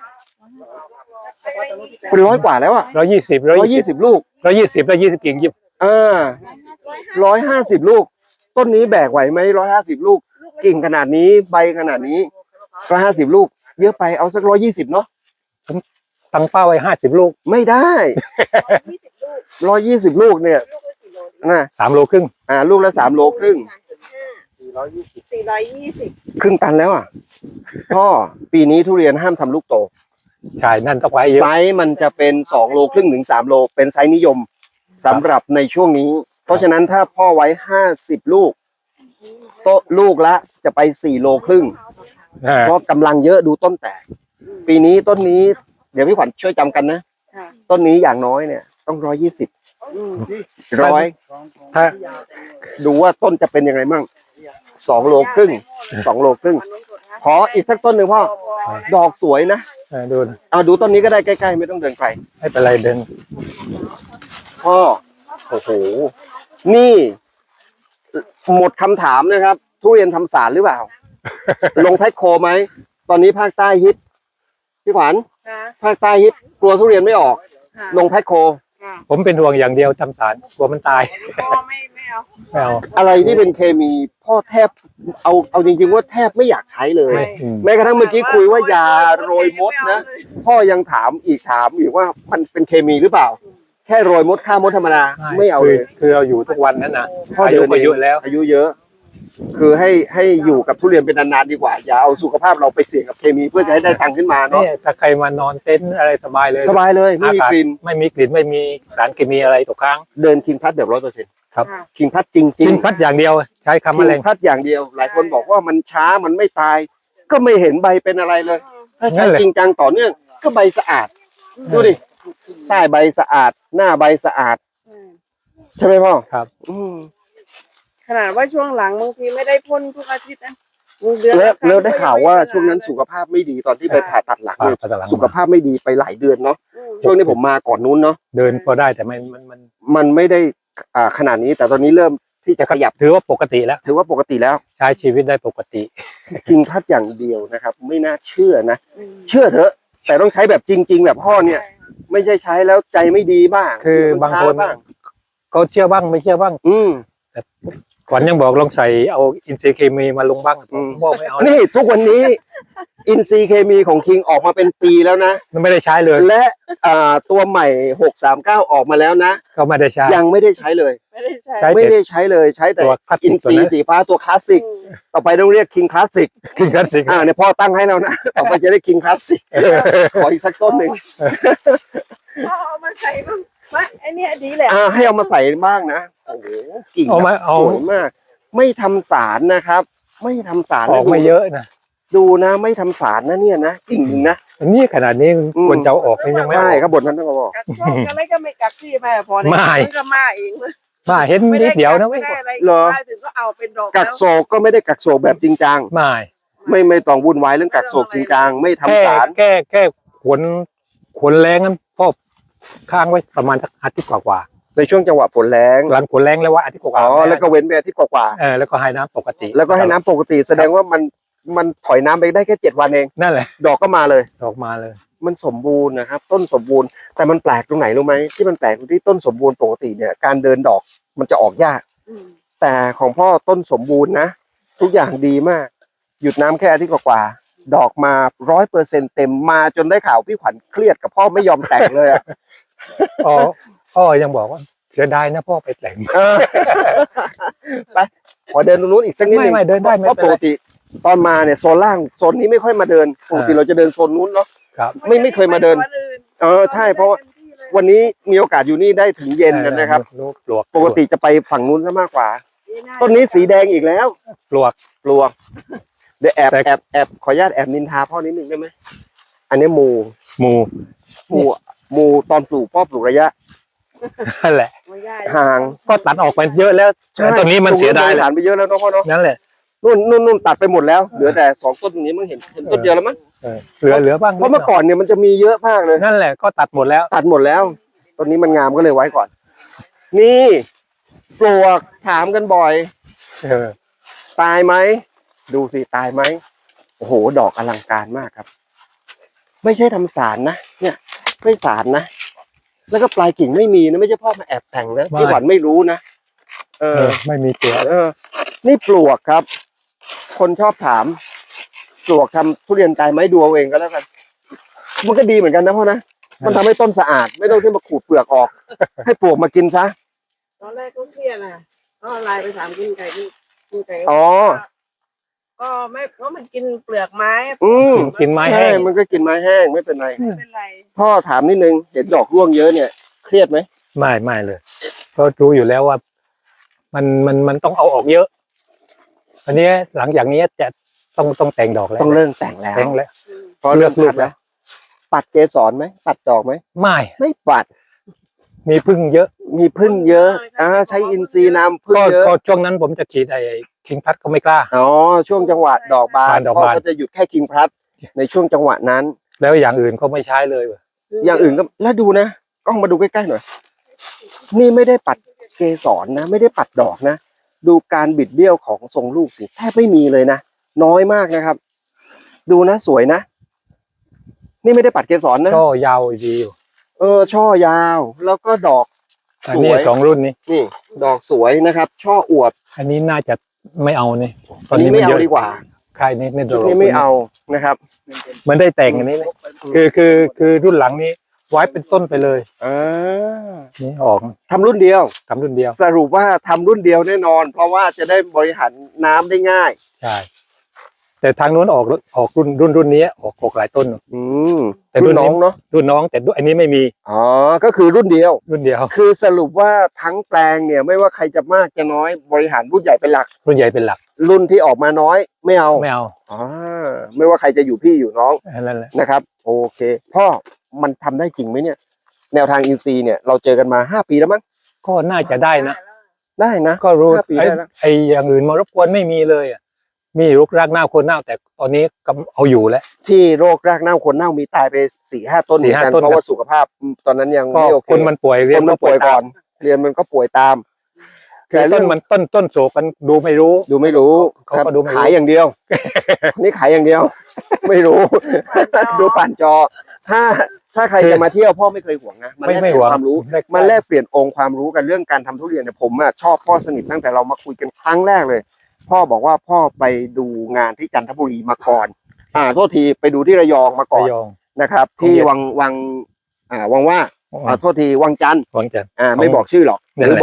[SPEAKER 2] เป็นร้อยกว่าแล้วอ่ะ
[SPEAKER 1] ร้อยยี่สิบร้
[SPEAKER 2] ร้
[SPEAKER 1] อ
[SPEAKER 2] อย ย
[SPEAKER 1] ยี่
[SPEAKER 2] ยี่
[SPEAKER 1] สิบ
[SPEAKER 2] สิบลูก
[SPEAKER 1] ร้อยยี่สิบร้อยยี่สิบกิ่งยิบ
[SPEAKER 2] อ่าร้อยห้าสิบลูก ต้นนี้แบกไหวไหมร้อยห้าสิบลูก กิ่งขนาดนี้ใบขนาดนี้ร้อยห้าสิบลูก เยอะไปเอาสักร้อยยี่สิบเนาะ
[SPEAKER 1] ตั้งเป้าไว้ห้าสิบลูก
[SPEAKER 2] ไม่ได้
[SPEAKER 3] ยี่สิบลูก
[SPEAKER 2] ร้อยยี่สิบลูกเนี่ย
[SPEAKER 3] ลูกละกี่โล
[SPEAKER 2] นะ
[SPEAKER 1] สามโลครึ่ง
[SPEAKER 2] อ่าลูกละสามโลครึ่ง
[SPEAKER 3] สี่ร้อยยี่สิบสี่ร้อยยี่สิบ
[SPEAKER 2] ครึ่งตันแล้วอ่ะพ่อปีนี้ทุเรียนห้ามทำลูกโต
[SPEAKER 1] ใช่นั่นต้องไว้เยอะ
[SPEAKER 2] ไซส์มันจะเป็นสองโลครึ่งถึงสามโลเป็นไซส์นิยมสำหรับในช่วงนี้ เพราะฉะนั้นถ้าพ่อไว้ห้าสิบลูกโตะลูกละจะไปสี่โลครึ่ง
[SPEAKER 1] อ่า
[SPEAKER 2] เพราะกำลังเยอะดูต้นแตก ปีนี้ต้นนี้เดี๋ยวพี่ขวัญช่วยจำกันนะ
[SPEAKER 3] ค่ะ
[SPEAKER 2] ต้นนี้อย่างน้อยเนี่ยต้องร้อยยี่สิบ
[SPEAKER 3] อืม
[SPEAKER 2] ร้อย
[SPEAKER 1] ถ้า
[SPEAKER 2] ดูว่าต้นจะเป็นยังไงมั่งสองโลครึ่งสองโลครึ่งขออีกสักต้นหนึ่งพ่อดอกสวยนะ
[SPEAKER 1] เออดู
[SPEAKER 2] เอาดูต้นนี้ก็ได้ใกล้ๆไม่ต้องเดินไกล
[SPEAKER 1] ไม่เป็นไรเดิน
[SPEAKER 2] พ่อโอ้โหนี่ หมดคำถามนะครับ ทุเรียนทำสารหรือเปล่า ลงแพ็คโคไหมตอนนี้ภาคใต้ฮิตพี่ขวัญ
[SPEAKER 3] ค่ะ
[SPEAKER 2] ภาคใต้ฮิตกลัวทุเรียนไม่ออก
[SPEAKER 3] ค่ะ
[SPEAKER 2] ลงแพ็คโค
[SPEAKER 3] ค่ะ
[SPEAKER 1] ผมเป็นห่วงอย่างเดียวทำสารกลัวมันตาย
[SPEAKER 3] พ่อไม่ไม่เอา
[SPEAKER 1] ไม่เอา
[SPEAKER 2] อะไรที่เป็นเคมีพ่อแทบเอาเอาจริงๆว่าแทบไม่อยากใช้เลย
[SPEAKER 1] ไม่อืม
[SPEAKER 2] แม้กระทั่งเมื่อกี้คุยว่ายาโรยมดนะ พ่อยังถามอีกถามอีกว่ามันเป็นเคมีหรือเปล่า แค่โรยมดฆ่ามดธรรมดาไม่เอา
[SPEAKER 1] คื
[SPEAKER 2] เล
[SPEAKER 1] อย คือเราอยู่ทุกวันนั้นนะ
[SPEAKER 2] พ่อ
[SPEAKER 1] อา
[SPEAKER 2] เดิ
[SPEAKER 1] ยุ
[SPEAKER 2] น
[SPEAKER 1] ก็เยอะแล้ว
[SPEAKER 2] อายุเยอะ คือให้ให้อยู่กับทุเรียนเป็นนานๆดีกว่า อย่าเอาสุขภาพเราไปเสี่ยงกับเคมีเพื่อจะให้ได้ตังค์ขึ้นมาเนาะ
[SPEAKER 1] นี่ถ้าใครมานอนเต็นท์อะไรสบายเลย
[SPEAKER 2] สบายเลยไม่มี
[SPEAKER 1] อากาศ
[SPEAKER 2] กลิ่น
[SPEAKER 1] ไม่มีกลิ่นไม่มีสารเคมีอะไรตกค้าง
[SPEAKER 2] เดินคิงพัดแบบร้อยเปอร์เซ็นต์
[SPEAKER 1] ครับ
[SPEAKER 2] คิงพัดจริงๆ
[SPEAKER 1] กินพัดอย่างเดียวใช้คำ
[SPEAKER 2] คิ
[SPEAKER 1] แมลง
[SPEAKER 2] งพัดอย่างเดียว หลายคนบอกว่ามันช้ามันไม่ตาย ก็ไม่เห็นใบเป็นอะไรเลย ถ้าใช้
[SPEAKER 1] นั่นแหละ
[SPEAKER 2] จริงจังต่อเนื่องก็ใบสะอาด ดูดิใต้ใบสะอาด หน้าใบสะอาด
[SPEAKER 3] อืม
[SPEAKER 2] ใช่ไหมพ่อ
[SPEAKER 1] ครับ
[SPEAKER 2] อืม
[SPEAKER 3] ขนาดว่าช่วงหลังบางทีไม่ได้พ่นทุกอาทิตย์นะเดือน
[SPEAKER 2] แล้ว
[SPEAKER 3] ละครั้ง
[SPEAKER 2] แล้วได้ข่าวว่า
[SPEAKER 3] ก็ยังไม่
[SPEAKER 2] ช่วงนั้นสุขภาพไม่ดีตอนที่ไปผ่าตัดหลังเนี่ย
[SPEAKER 1] ผ่าตัดหลัง
[SPEAKER 2] สุขภาพไม่ดีไปหลายเดือนเนาะ
[SPEAKER 3] อืม
[SPEAKER 2] ช่วงนี้ผมมาก่อนนู้นเนาะ
[SPEAKER 1] เดินพอได้แต่ไม่มันมัน
[SPEAKER 2] มันไม่ได้อ่าขนาดนี้แต่ตอนนี้เริ่มที่จะขยับ
[SPEAKER 1] ถือว่าปกติแล้ว
[SPEAKER 2] ถือว่าปกติแล้ว
[SPEAKER 1] ใช้ชีวิตได้ปกติ
[SPEAKER 2] กินพัดอย่างเดียวนะครับ ไม่น่าเชื่อนะ
[SPEAKER 3] อืม
[SPEAKER 2] เชื่อเถอะ แต่ต้องใช้แบบจริง ๆ แบบพ่อเนี่ย ไม่ใช่ใช้แล้วใจไม่ดีบ้าง
[SPEAKER 1] คือบางคน
[SPEAKER 2] ช้บ้าง
[SPEAKER 1] ก็เชื่อบ้างไม่เชื่อบ้าง
[SPEAKER 2] อืม
[SPEAKER 1] ขวัญยังบอกลองใส่เอาอินทรีย์เคมีมาลงบ้างผ
[SPEAKER 2] อื
[SPEAKER 1] ม
[SPEAKER 2] ม
[SPEAKER 1] บอกไม่เอา
[SPEAKER 2] นี่ทุกวันนี้ อินซีย์เคมีของคิงออกมาเป็นปีแล้วนะ
[SPEAKER 1] มันไม่ได้ใช้เลย
[SPEAKER 2] และอ่าตัวใหม่หกสามเก้าออกมาแล้วนะ
[SPEAKER 1] ก็ไม่ได้ใช้
[SPEAKER 2] ยังไม่ได้ใช้เลย
[SPEAKER 3] ไปไม่ได้ใช้
[SPEAKER 1] ใช้
[SPEAKER 2] ไม่ได้ใช้เลยใช้แต่
[SPEAKER 1] ตัวคลาส
[SPEAKER 2] อิ
[SPEAKER 1] สิ
[SPEAKER 2] น
[SPEAKER 1] กตัว
[SPEAKER 2] ซี
[SPEAKER 1] นั้น
[SPEAKER 2] สีฟ้าตัวคลาสสิก
[SPEAKER 3] อืม
[SPEAKER 2] ต่อไปต้องเรียกคิงคลาสสิก
[SPEAKER 1] คือคลาสสิก
[SPEAKER 2] อ่าเนี่ยพ่อตั้งให้แล้วนะ ต่อไปจะได้คิงคลาสสิกขออีกสักต้นหนึ่ง
[SPEAKER 3] เอาเอามาใส่บ้างมาไอเนี้ยดีแหละ
[SPEAKER 2] อ่าให้เอามาใส่บ้างนะโอ้โหกิ่ง
[SPEAKER 1] เอามา
[SPEAKER 2] แบบ
[SPEAKER 1] เอา
[SPEAKER 2] สวยมาก ไม่ทำสารนะครับ ไม่ทำสาร
[SPEAKER 1] ออกไม่เยอะนะ
[SPEAKER 2] ดูนะไม่ทำสารนะเนี่ยนะกิ่งหนึ่งนะ
[SPEAKER 1] อันนี้ขนาดนี้
[SPEAKER 2] อืม
[SPEAKER 1] ควรจะเอาออกนี่ยังไม่
[SPEAKER 2] ใช่
[SPEAKER 1] ออก
[SPEAKER 2] ครับบทนั้นต้องบอก
[SPEAKER 3] กักโรคอะไรก็ไม่กักที่แม่พอเนี่ย
[SPEAKER 1] ไม่
[SPEAKER 3] นก็มาเอง
[SPEAKER 1] มาเห็น
[SPEAKER 3] ไม่
[SPEAKER 1] นิ
[SPEAKER 3] ได้
[SPEAKER 1] ดเดียวนะเว้
[SPEAKER 3] ไม่
[SPEAKER 1] ย
[SPEAKER 3] ได้อะไร
[SPEAKER 2] เหรอ
[SPEAKER 3] มาถึงก็เอาเป็นดอก
[SPEAKER 2] กัก
[SPEAKER 3] แล้ว
[SPEAKER 2] โศกก็ไม่ได้กักโศกแบบจริงจัง
[SPEAKER 1] ไม่
[SPEAKER 2] ไม่ไม่ต้องวุ่นวายเรื่องกักโศกจริงจังไม่ทำ
[SPEAKER 1] แก้
[SPEAKER 2] สาร
[SPEAKER 1] แก้แก้ขนขนแรงนั้นพ่อค้างไว้ประมาณสักอาทิตย์กว่า
[SPEAKER 2] ในช่วงจังหวะฝนแรง
[SPEAKER 1] ๆหลังขนแรงแล้วว่าอาทิตย์กว่า
[SPEAKER 2] อ๋อ
[SPEAKER 1] ๆ
[SPEAKER 2] แล้วก็เว้นไปอาทิตย์กว่า
[SPEAKER 1] เออแล้วก็ให้น้ำปกติ
[SPEAKER 2] ๆแล้วก็ให้น้ำปกติแสดงว่ามันมันถอยน้ำไปได้แค่เจ็ดวันเอง
[SPEAKER 1] นั่นแหละ
[SPEAKER 2] ดอกก็มาเลย
[SPEAKER 1] ออกมาเลย
[SPEAKER 2] มันสมบูรณ์นะครับ ต้นสมบูรณ์แต่มันแปลกตรงไหนรู้ไหมที่มันแปลกตรงที่ต้นสมบูรณ์ปกติเนี่ยการเดินดอกมันจะออกยาก
[SPEAKER 3] อืม
[SPEAKER 2] แต่ของพ่อต้นสมบูรณ์นะทุกอย่างดีมาก หยุดน้ำแค่อาทิตย์กว่าๆดอกมาร้อยเปอร์เซ็นเต็มมาจนได้ข่าวพี่ขวัญเครียดกับพ่อไม่ยอมแต่งเลยอะ
[SPEAKER 1] อ๋อพ่อยังบอกว่าเสียดายนะพ่อไปแต่ง
[SPEAKER 2] เออไปขอเดินตรงนู้นอีกสักนิด
[SPEAKER 1] ไม่
[SPEAKER 2] นึง
[SPEAKER 1] ไม่เดินได้ไม่
[SPEAKER 2] เพราะ
[SPEAKER 1] เป็น
[SPEAKER 2] ป
[SPEAKER 1] ไร
[SPEAKER 2] กติตอนมาเนี่ยโซนล่างโซนนี้ไม่ค่อยมาเดินปกติ
[SPEAKER 1] อ่า
[SPEAKER 2] เราจะเดินโซนนู้นเนาะ
[SPEAKER 1] ครับ
[SPEAKER 2] ไม่ไม่เคยมาเดิน เออใช่เพราะว่าวันนี้มีโอกาสอยู่นี่ได้ถึงเย็นกันนะครับ
[SPEAKER 1] ลูกปลวก
[SPEAKER 2] ปกติจะไปฝั่งนู้นซะมากกว่า
[SPEAKER 3] า
[SPEAKER 2] ต้นนี้สีแดงอีกแล้ว
[SPEAKER 1] ปลวก
[SPEAKER 2] ปลวกเดี๋ยวแอบ
[SPEAKER 1] แต่
[SPEAKER 2] แอบแอบขออนุญาตแอบนินทาพ่อนิดนึงได้ไหมอันนี้หมู
[SPEAKER 1] หมู
[SPEAKER 2] หมูหมูตอนปลูกพ่อปลูกระยะ
[SPEAKER 1] นั่นแหละ
[SPEAKER 3] ไม่ได้
[SPEAKER 2] ห่าง
[SPEAKER 1] ก็ตัดออกไปเยอะแล้วแต่ตอนนี้มันเสียดาย
[SPEAKER 2] ปลูก
[SPEAKER 1] แหละ
[SPEAKER 2] ผ่านไปเยอะแล้วเนาะพ่อเนาะ
[SPEAKER 1] นั่นแหละ
[SPEAKER 2] นู่นนู่นนู่นตัดไปหมดแล้วเหลือแต่สองต้นตรงนี้มึงเห็นเห็นต้นเดียวแล้วมั้ง
[SPEAKER 1] เออเหลือเหลือบ้าง
[SPEAKER 2] เพราะเมื่อก่อนเนี่ยมันจะมีเยอะมากเลย
[SPEAKER 1] นั่นแหละก็ตัดหมดแล้ว
[SPEAKER 2] ตัดหมดแล้วต้นนี้มันงามก็เลยไว้ก่อน นี่ปลวกถามกันบ่อย
[SPEAKER 1] เออ
[SPEAKER 2] ตายไหมดูสิตายไหมโอ้โหดอกอลังการมากครับ ไม่ใช่ทำสารนะเนี่ยไม่สารนะแล้วก็ปลายกิ่งไม่มีนะไม่ใช่พ่อมาแอบแต่งนะพี่หวันไม่รู้นะเอ
[SPEAKER 1] เอ
[SPEAKER 2] อ
[SPEAKER 1] อไม่มีตัว
[SPEAKER 2] เออ นี่ปลวกครับ คนชอบถาม ปลวกทำทุเรียนตายไหมดูเอาเองก็แล้วกัน มันก็ดีเหมือนกันนะพ่อนะมันทำให้ต้นสะอาด ไม่ต้องที่มาขูดเปลือกออก ให้ปลวกมากินซะ
[SPEAKER 3] ตอนแรกก็เครียดนะก็ไลน์ไปถามกินไก่กินกินไก่
[SPEAKER 2] อ๋อ
[SPEAKER 3] ก็ไม่เพราะมันกินเปลือกไม้
[SPEAKER 2] อืม
[SPEAKER 1] กินกินไม้
[SPEAKER 2] ใช่
[SPEAKER 1] แห้ง
[SPEAKER 2] มันก็กินไม้แห้งไม่เป็นไร
[SPEAKER 3] ไม่เป็นไร
[SPEAKER 2] พ่อถามนิดนึงเห็นดอกร่วงเยอะเนี่ยเครียดไหม
[SPEAKER 1] ไม่ไม่เลยก็รู้อยู่แล้วว่า มันมันมันต้องเอาออกเยอะอันนี้หลังจากนี้จะต้องต้องแต่งดอกแล้ว
[SPEAKER 2] ต้องเริ่มแต่งแล้ว
[SPEAKER 1] แต่งแล้ว
[SPEAKER 3] อืม
[SPEAKER 2] พอ
[SPEAKER 1] เลื
[SPEAKER 2] เลื
[SPEAKER 1] อ
[SPEAKER 2] อก ก
[SPEAKER 1] ลู
[SPEAKER 2] ลู
[SPEAKER 1] ก
[SPEAKER 2] ก
[SPEAKER 1] แล้
[SPEAKER 2] แล้ว ว ปัดเกสรไหมปัดดอกไหม
[SPEAKER 1] ไม่
[SPEAKER 2] ไม่ปัด
[SPEAKER 1] มีพึ่งเยอะ
[SPEAKER 2] มีพึ่งเยอะอ่าใช้อินทรีย์นำพึ่ง
[SPEAKER 1] ก็
[SPEAKER 2] เยอะ
[SPEAKER 1] ก็ช่วงนั้นผมจะฉีดไอ้คิงพัดก็ไม่กล้า
[SPEAKER 2] อ๋อช่วงจังหวะดอกบาน
[SPEAKER 1] บานดอก
[SPEAKER 2] พ่อบ
[SPEAKER 1] าน
[SPEAKER 2] ก็จะหยุดแค่คิงพลัสในช่วงจังหวะนั้น
[SPEAKER 1] แล้วอย่างอื่นก็ไม่ใช้เลยว่ะ
[SPEAKER 2] อย่างอื่นก็แล้วดูนะกล้องมาดูใกล้ๆหน่อย นี่ไม่ได้ปัดเกสรนะ ไม่ได้ปัดดอกนะ ดูการบิดเบี้ยวของทรงลูกสิแทบไม่มีเลยนะน้อยมากนะครับ ดูนะสวยนะ นี่ไม่ได้ปัดเกสรนะ
[SPEAKER 1] ก็ยาวดีอยู่
[SPEAKER 2] เออช่อยาว แล้วก็ดอก
[SPEAKER 1] อันนี้
[SPEAKER 2] สวย
[SPEAKER 1] สองรุ่นนี้
[SPEAKER 2] นี่ ดอกสวยนะครับ ช่ออวบ
[SPEAKER 1] อันนี้น่าจะไม่เอานี่
[SPEAKER 2] อันนี้ไม่
[SPEAKER 1] ย
[SPEAKER 2] เอา
[SPEAKER 1] อะ
[SPEAKER 2] ดีกว่า
[SPEAKER 1] ใช่นี่นี่
[SPEAKER 2] ชุดนี้ไม่เอานะครับ
[SPEAKER 1] มันได้แต่งอันนี้นะคือคือคือรุ่นหลังนี้ ไว้เป็นต้นไปเลย
[SPEAKER 2] อ่า
[SPEAKER 1] นี่ออก
[SPEAKER 2] ทำรุ่นเดียว
[SPEAKER 1] ทำรุ่นเดียว
[SPEAKER 2] สรุปว่าทำรุ่นเดียวแน่นอน เพราะว่าจะได้บริหารน้ำได้ง่าย
[SPEAKER 1] ใช่แต่ทางนู้นออกออกรุ่นรุ่นรุ่นนี้ออกออกหลายต้น
[SPEAKER 2] อืม
[SPEAKER 1] แต่
[SPEAKER 2] รุ่
[SPEAKER 1] รุ่
[SPEAKER 2] น
[SPEAKER 1] นนี้
[SPEAKER 2] น้องเนาะ
[SPEAKER 1] รุ่นน้องแต่รุ่นอันนี้ไม่มี
[SPEAKER 2] อ๋อก็คือรุ่นเดียว
[SPEAKER 1] รุ่นเดียว
[SPEAKER 2] คือสรุปว่าทั้งแปลงเนี่ย ไม่ว่าใครจะมากจะน้อยบริหารรุ่นใหญ่เป็นหลัก
[SPEAKER 1] รุ่นใหญ่เป็นหลัก
[SPEAKER 2] รุ่นที่ออกมาน้อยไม่เอา
[SPEAKER 1] ไม่เอา
[SPEAKER 2] อ๋อไม่ว่าใครจะอยู่พี่อยู่น้อง
[SPEAKER 1] นั่นแหละ
[SPEAKER 2] นะครับ โอเค พ่อมันทำได้จริงไหมเนี่ย แนวทางอินซีย์เนี่ยเราเจอกันมาห้าปีแล้วมั้ง
[SPEAKER 1] ก็น่าจะได้นะ
[SPEAKER 2] ได้นะ
[SPEAKER 1] ก็รู้
[SPEAKER 2] ห้าปี
[SPEAKER 1] ไอ้
[SPEAKER 2] ได้แล้ว
[SPEAKER 1] ไอ้อย่างอื่นมารบกวนไม่มีเลยอ่ะมีรุกรากเน่าโคนเน่าแต่ตอนนี้ก็เอาอยู่แล้ว
[SPEAKER 2] ที่โรครากเน่าคนเน่ามีตายไปสี่ห้าต้นเหมือนกัน
[SPEAKER 1] สี่ห้าต้น
[SPEAKER 2] เพราะว่าสุขภาพตอนนั้นยัง
[SPEAKER 1] ก็
[SPEAKER 2] ไม่โอเค
[SPEAKER 1] คนมันป่วยเรี
[SPEAKER 2] ค
[SPEAKER 1] ย
[SPEAKER 2] น
[SPEAKER 1] น
[SPEAKER 2] มันป่วย
[SPEAKER 1] ตา
[SPEAKER 2] ก่อน เรียนมันก็ป่วยตาม
[SPEAKER 1] คือต้นมันต้นต้นโศกกันดูไม่รู้
[SPEAKER 2] ดูไม่รู้
[SPEAKER 1] เขา
[SPEAKER 2] ครับ
[SPEAKER 1] ก็ดูไม่รู้
[SPEAKER 2] ขายอย่างเดียว นี่ขายอย่างเดียว ไม่รู้ ดูผ่านจอ ถ้าถ้าใครจะมาเที่ยวพ่อไม่เคยห่วงนะมัน
[SPEAKER 1] ไม่
[SPEAKER 2] แลกเป
[SPEAKER 1] ไม่
[SPEAKER 2] ลี่
[SPEAKER 1] ห
[SPEAKER 2] ย
[SPEAKER 1] วัง
[SPEAKER 2] นความรู้
[SPEAKER 1] ได้
[SPEAKER 2] มันแลกเปลี่ยนองค์ความรู้กันเรื่องการทำทุเรียนเนี่ยผมอะชอบพ่อสนิทตั้งแต่เรามาคุยกันครั้งแรกเลย พ่อบอกว่าพ่อไปดูงานที่จันทบุรีมาก่อน อ่าโทษทีไปดูที่ระยองมาก่อน
[SPEAKER 1] ระยอง
[SPEAKER 2] นะครับ ที่วังวังอ่าวังว่าอ่าโทษทีวังจันทร์
[SPEAKER 1] หวังจันทร์
[SPEAKER 2] อ่าไม่บอกชื่อหรอกห
[SPEAKER 1] นั่น
[SPEAKER 2] รือ
[SPEAKER 1] แหละ
[SPEAKER 2] บอก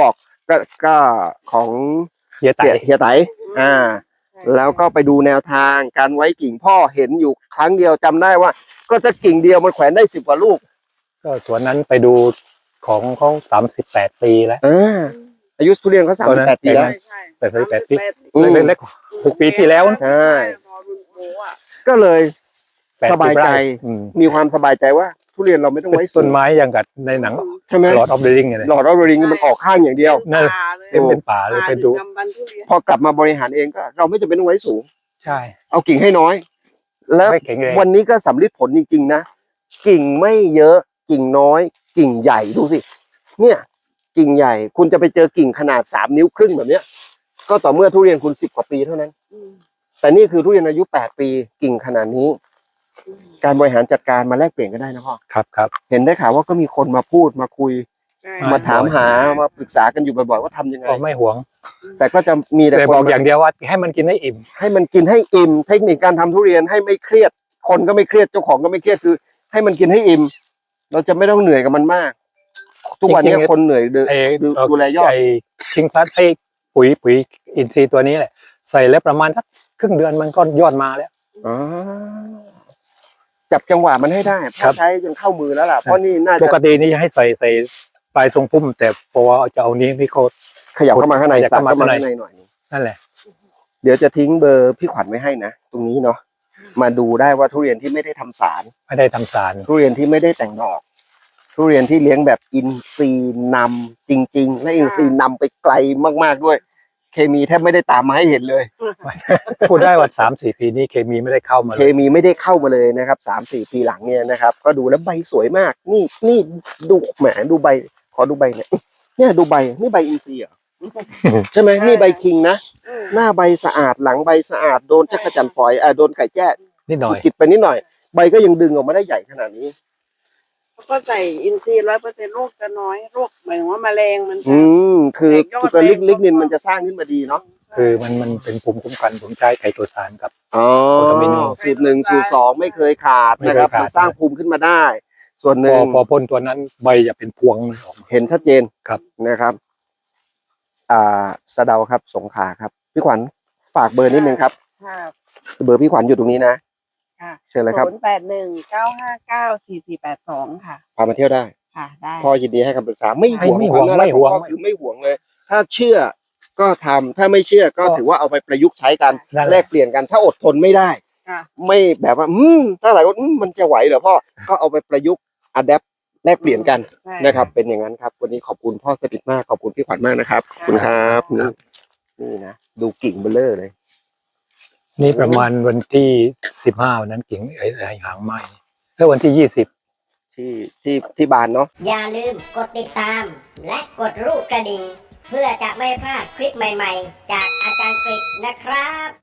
[SPEAKER 2] ก็ก็ของ
[SPEAKER 1] เฮียไต่
[SPEAKER 2] เสียเฮียไตอ่า แล้วก็ไปดูแนวทางการไว้กิ่งพ่อเห็นอยู่ครั้งเดียวจำได้ว่า ก็จะกิ่งเดียวมันแขวนได้สิบกว่าลูก
[SPEAKER 1] ก็สวนนั้นไปดูของเขาสามสิบแปดปีแล้ว
[SPEAKER 2] อ่าอายุทุเรียนเขาสามสิบแปดปีแล้ว
[SPEAKER 3] ใช่ใช่
[SPEAKER 1] แปดสิบแปดปี
[SPEAKER 2] อืม
[SPEAKER 1] เล็กๆหกปีที่แล้วนะ
[SPEAKER 2] ใช่
[SPEAKER 3] พอรุ่นโบอ่ะ
[SPEAKER 2] ก็เลย
[SPEAKER 1] แปด
[SPEAKER 2] สบายใจ
[SPEAKER 1] ไร่อืม
[SPEAKER 2] มีความสบายใจว่า ทุเรียนเราไม่ต้องไว้สู
[SPEAKER 1] ต้
[SPEAKER 2] ง
[SPEAKER 1] นไม้อย่างกับในหนัง
[SPEAKER 2] ใช่ไหม
[SPEAKER 1] Lord of the Ring เนี่ย
[SPEAKER 2] หลอดออฟริงมันออกข้างอย่างเดียว
[SPEAKER 1] นั่น
[SPEAKER 3] ป่าเลย
[SPEAKER 1] เต็มเป็นป่าเลย
[SPEAKER 3] ป่า
[SPEAKER 1] ไป
[SPEAKER 3] ดึ
[SPEAKER 1] ดู
[SPEAKER 3] กดำบรรพ์ทุเรียน
[SPEAKER 2] พอกลับมาบริหารเองก็ เราไม่จำเป็นต้องไว้สูง
[SPEAKER 1] ใช่
[SPEAKER 2] เอากิ่งให้น้อย แล้ว
[SPEAKER 1] ไม่แข็งแรง
[SPEAKER 2] วันนี้ก็สำลิดผลจริงๆนะ กิ่งไม่เยอะ กิ่งน้อย กิ่งใหญ่ดูสิ เนี่ย กิ่งใหญ่ คุณจะไปเจอกิ่งขนาดสามนิ้วครึ่งแบบเนี้ย ก็ต่อเมื่อทุเรียนคุณสิบกว่าปีเท่านั้น
[SPEAKER 3] อืม
[SPEAKER 2] แต่นี่คือทุเรียนอายุแปดปี กิ่งขนาดนี้
[SPEAKER 3] อืม
[SPEAKER 2] การบริหารจัดการมาแลกเปลี่ยนกันได้นะพ่อ
[SPEAKER 1] ครับครับ
[SPEAKER 2] เห็นได้ข่าวว่าก็มีคนมาพูดมาคุย
[SPEAKER 3] ใช่
[SPEAKER 2] มาถามหามาปรึกษากันอยู่บ่อยๆว่าทำยังไง
[SPEAKER 1] ก็ไม่หวง
[SPEAKER 2] แต่ก็จะมีแต่
[SPEAKER 1] แต่
[SPEAKER 2] คน
[SPEAKER 1] บอก
[SPEAKER 2] มา
[SPEAKER 1] อย่างเดียวว่าให้มันกินให้อิ่ม
[SPEAKER 2] ให้มันกินให้อิ่ม เทคนิคการทำทุเรียนให้ไม่เครียด คนก็ไม่เครียดเจ้าของก็ไม่เครียดคือ ให้มันกินให้อิ่ม เราจะไม่ต้องเหนื่อยกับมันมาก ทุกวันนี้
[SPEAKER 1] จริงๆ
[SPEAKER 2] คนเหนื่อยดู
[SPEAKER 1] ไอ้
[SPEAKER 2] ดูดูแลยอด
[SPEAKER 1] ไอ้คิงพลัสไอ้ปุ๋ยปุ๋ยอินทรีย์ตัวนี้แหละใส่แล้วประมาณสักครึ่งเดือนมันก็ยอดมาแล้ว
[SPEAKER 2] อ๋อจับจังหวะมันให้ได้
[SPEAKER 1] ครั
[SPEAKER 2] พ่อบ ใช้จนเข้ามือแล้วล่ะเพราะนี่น่า
[SPEAKER 1] ป
[SPEAKER 2] จะ
[SPEAKER 1] กตินี่จะให้ใส่ใส่ปลายทรงพุ่ม แต่พอจะเอานี้พี่เขา
[SPEAKER 2] ขยับเข้ามาข้างใน
[SPEAKER 1] ขยับ
[SPEAKER 2] สัก
[SPEAKER 1] เข้ามา
[SPEAKER 2] เข้ามา
[SPEAKER 1] ข้างใน
[SPEAKER 2] ข้างในหน่อย
[SPEAKER 1] นั่นแหละ
[SPEAKER 2] เดี๋ยวจะทิ้งเบอร์พี่ขวัญไว้ให้นะตรงนี้เนาะมาดูได้ว่าทุเรียนที่ไม่ได้ทำสาร
[SPEAKER 1] ไม่ได้ทำสาร
[SPEAKER 2] ทุเรียนที่ไม่ได้แต่งดอก ทุเรียนที่เลี้ยงแบบอินทรีย์นำจริง ๆ และอินทรีย์นำไปไกลมากๆด้วย เคมีแทบไม่ได้ตามมาให้เห็นเลย
[SPEAKER 1] พูดได้ว่าสามสี่ปีนี้เคมีไม่ได้เข้ามา
[SPEAKER 2] เค
[SPEAKER 1] เลย
[SPEAKER 2] มีไม่ได้เข้ามาเลยนะครับสามสี่ปีหลังเนี่ยนะครับ ก็ดูแล้วใบสวยมาก นี่นี่ดูแหมดูใบ ขอดูใบเนี่ยเนี่ยดูใบนี่ใบอินทรีย์เหรอใช่ไหมนี่ใบคิงนะ
[SPEAKER 3] อืม
[SPEAKER 2] หน้าใบสะอาดหลังใบสะอาดโดนจักรจันทร์ฝอยอ่าโดนไก่แจ้
[SPEAKER 1] นิดหน่อย
[SPEAKER 2] กิดไปนิดหน่อย ใบก็ยังดึงออกมาได้ใหญ่ขนาดนี้
[SPEAKER 3] แล้วก็ใส่อินทรีย์ร้อยเปอร์เซ็นต์โรคจะน้อยโรคหมายถึงว่าแมลงมันจะ
[SPEAKER 2] อืมคือ
[SPEAKER 3] แตกยอด
[SPEAKER 2] ตัวลิก
[SPEAKER 3] แรง
[SPEAKER 2] ลิกนิน
[SPEAKER 3] ก็
[SPEAKER 2] มันจะสร้างขึ้นมาดีเนาะ
[SPEAKER 1] คือมันมันเป็นภูมิคุ้มกันผมใช้ไคโตซานกับ
[SPEAKER 2] อ๋อ
[SPEAKER 1] โอตามิโน
[SPEAKER 2] สูตรหนึ่งสูตรสองไม่เคยขาด
[SPEAKER 1] ไม่เคย
[SPEAKER 2] นะครับ
[SPEAKER 1] ขาด
[SPEAKER 2] มันสร้างภูมิขึ้นมาได้ ส่วนห
[SPEAKER 1] พ
[SPEAKER 2] นึ่
[SPEAKER 1] อง พอพ่นตัวนั้นใบจะเป็นพวงเลยออกมา
[SPEAKER 2] เห็นชัดเจน
[SPEAKER 1] ครับ
[SPEAKER 2] นะครับ อ่าสะเดาครับสงขลาครับพี่ขวัญฝากเบอร์นิดนึงครับ
[SPEAKER 3] ค่ะ
[SPEAKER 2] เบอร์พี่ขวัญอยู่ตรงนี้นะ
[SPEAKER 3] ค่ะ
[SPEAKER 2] เชิญเลยครับ
[SPEAKER 3] ศูนย์แปดหนึ่งเก้าห้าเก้าสี่สี่แปดสองค่ะ
[SPEAKER 2] พามาเที่ยวได้
[SPEAKER 3] ค่ะได้
[SPEAKER 2] พ่อยินดีให้คำปรึกษาไม่
[SPEAKER 1] ไม่
[SPEAKER 2] ห่วง
[SPEAKER 1] ไม่ห่วง
[SPEAKER 2] ความน่ารัก
[SPEAKER 1] ไม่ห่วง
[SPEAKER 2] ของพ่อคือไม่ห่วงเลย ถ้าเชื่อก็ทำถ้าไม่เชื่อก็ถือว่าเอาไปประยุกต์ใช้กัน
[SPEAKER 1] นั่นแห
[SPEAKER 2] แล
[SPEAKER 1] ละ
[SPEAKER 2] กเปลี่ยนกันถ้าอดทนไม่ได้
[SPEAKER 3] ค่ะ
[SPEAKER 2] ไม่แบบว่า อืมถ้าหลายคนอืมมันจะไหวเหรอพ่อ ก็เอาไปประยุกต์อัดแอปแลกเปลี่ยนกัน
[SPEAKER 3] ใช่
[SPEAKER 2] นะครับ เป็นอย่างนั้นครับ วันนี้ขอบคุณพ่อสถิตมาก ขอบคุณพี่ขวัญมากนะครับ ขอบคุณครับนี่นี่นะ ดูกิ่งเบลเลอร์เลย
[SPEAKER 1] นี่ประมาณวันที่สิบห้าวันนั้นกิ่งไอ้ไอ้หางไหม้แล้ววันที่ยี่สิบ
[SPEAKER 2] ที่ที่ที่บานเนาะ
[SPEAKER 5] อย่าลืมกดติดตาม และกดรูปกระดิ่ง เพื่อจะไม่พลาดคลิปใหม่ๆ จากอาจารย์กฤษนะครับ